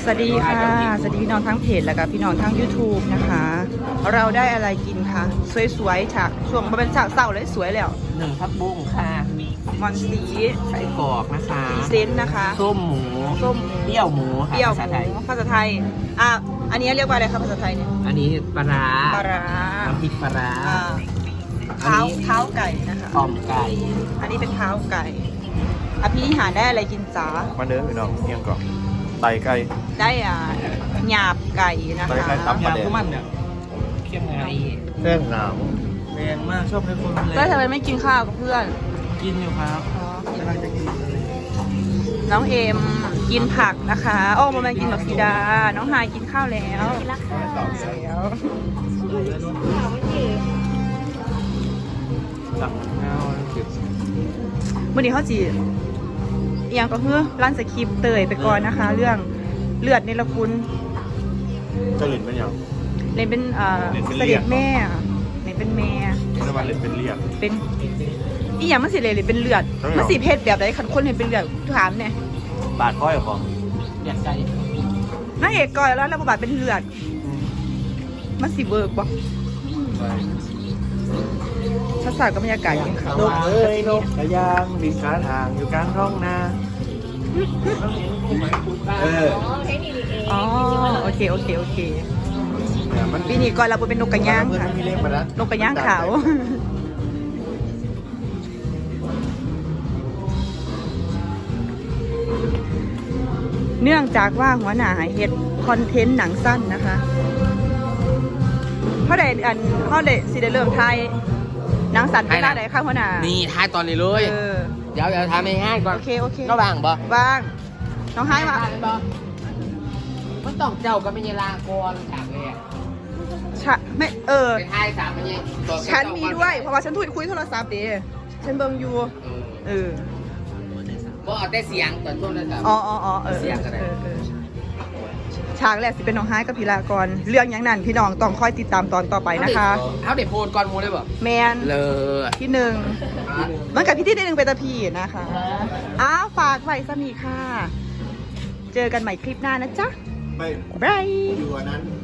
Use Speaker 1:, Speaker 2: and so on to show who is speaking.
Speaker 1: วัสดีค่ะสวัสดีพี่น้องทั้งเพจแล้วก็พี่น้องทั้ง YouTube นะคะ เราได้อะไรกินคะสวยๆจากช่วงมันเป็นเสาๆเลยสวยแล้ว
Speaker 2: 1ผักบุ้งค่ะ
Speaker 1: มอนสี
Speaker 2: ไส้กรอกนะคะ
Speaker 1: เซนนะคะ
Speaker 2: ส้มหมู
Speaker 1: ส้ม
Speaker 2: เปรี้ยวหมู
Speaker 1: เป
Speaker 2: ค่ะ
Speaker 1: รี้ยว
Speaker 2: ภา
Speaker 1: ห
Speaker 2: ษาไทย
Speaker 1: มูภาษาไทยอันนี้เรียกว่าอะไรคะภาษาไทยเนี่ย
Speaker 2: อันนี้ปลาร้า
Speaker 1: ปลาร้า
Speaker 2: น้ำพริกปลาร้า
Speaker 1: อ่า
Speaker 2: อันนี้
Speaker 1: เท้าไก่นะคะ
Speaker 2: อ่อมไก่
Speaker 1: อันนี้เป็นเท้าไก่พี่หาได้อะไรกินจ๋า
Speaker 3: มาเดินพี่น้องเอียงก่อนไตไก่
Speaker 1: ได้หยาบไก่นะคะ
Speaker 3: ไก่ตับ
Speaker 2: ยำพวกมันเนี่ยเข้มไง
Speaker 3: แป้งหนาว
Speaker 2: แรงมากชอบให้คนแร
Speaker 1: แล้ว
Speaker 2: ง
Speaker 1: ทำไมไม่กินข้าวกับเพื่อน
Speaker 2: กินอยู่ครับ
Speaker 1: อ๋อ
Speaker 2: กำลังจะกิน
Speaker 1: น้องเอ็มกินผักนะคะโอ้โมแมนกินแบบสีดา น้องฮายกินข้าวแล้วแล้ว
Speaker 2: จับเงาจิบ
Speaker 1: มื่อนี้เขาจีเอียงก็คือร้านสคริปต์เตยไปก่อนนะคะ เรื่องเลือดเนรคุณ
Speaker 3: จะหลินเป็นอย่าง
Speaker 1: เล่นเป็น
Speaker 3: เล่นเป็น
Speaker 1: เส
Speaker 3: เลี
Speaker 1: ด็
Speaker 3: ย
Speaker 1: จ
Speaker 3: ด
Speaker 1: แม่เล่นเป็นแม่
Speaker 3: น้ำมันหลินเป็นเลียด
Speaker 1: เป็นอีหยังมันสิเลยหรือเป็นเลือด
Speaker 3: ใช่เหรอ
Speaker 1: มันสิเพศแบบไหนคันคนเห็นเป็นเลือดถามเนี่ย
Speaker 3: บาดก้อยของ
Speaker 2: เดือดใจ
Speaker 1: นางเอกก่อนแล้วระบาดเป็นเลือด มันสิเบิกบ่ชัดสากับบรรยากาศกินข้าวน
Speaker 3: กเอ้ยนกกระยางบินขาทางอยู่กลางท้องนาเออ
Speaker 1: อ๋อโอเคโอเคโอเค
Speaker 3: เนี่ยมัน
Speaker 1: ปีนี้ก่อนเราเป็นนกกระย่างค่ะ
Speaker 3: มีเลี้ยงมาแล้ว
Speaker 1: นกกระย่างขาว เนื่องจากว่าหัวหน้าเฮ็ดคอนเทนต์หนังสั้นนะคะเขาได้เขาได้สิได้เริ่มไทยหนังสั้นเป็นหน้าไหนคะหัวหน้า
Speaker 2: นี่ทายตอนนี้เลย
Speaker 1: เออ
Speaker 2: เดี๋ยวทำให้ง่ายก่อน
Speaker 1: โอเคโอเค
Speaker 2: ก็วางบ่
Speaker 1: ว่างน้องไฮมา
Speaker 2: มันต้องเจ้าก็ไม่ใช่ลากรฉากเลยอ่ะ
Speaker 1: ไม่
Speaker 2: ไปทายฉากไม่ใช่
Speaker 1: ฉันมีด้วยเพราะว่าฉันคุยโทรศัพท์เดฉันเบิ่งอยู่เออ
Speaker 2: บ่เอาแต่เสียงตอนต้นเลยครับ
Speaker 1: อ๋อเออ
Speaker 2: เสียงก็ได้
Speaker 1: เออฉากแรกสิเป็นน้องไฮกับพีลากรเรื่องอย่างนั้นพี่น้องต้องคอยติดตามตอนต่อไปนะคะ
Speaker 2: เขาเด็ดโพนก่อนมูได้บ่
Speaker 1: แมน
Speaker 2: เลย
Speaker 1: ที่หนึ่งมันกับพี่ที่หนึ่งเป็นตาพีนะคะอ้าวฝากไว้สมีค่ะ เจอกันใหม่คลิปหน้านะจ๊ะ
Speaker 3: ไป
Speaker 1: บาย
Speaker 3: อยู่อันนั้น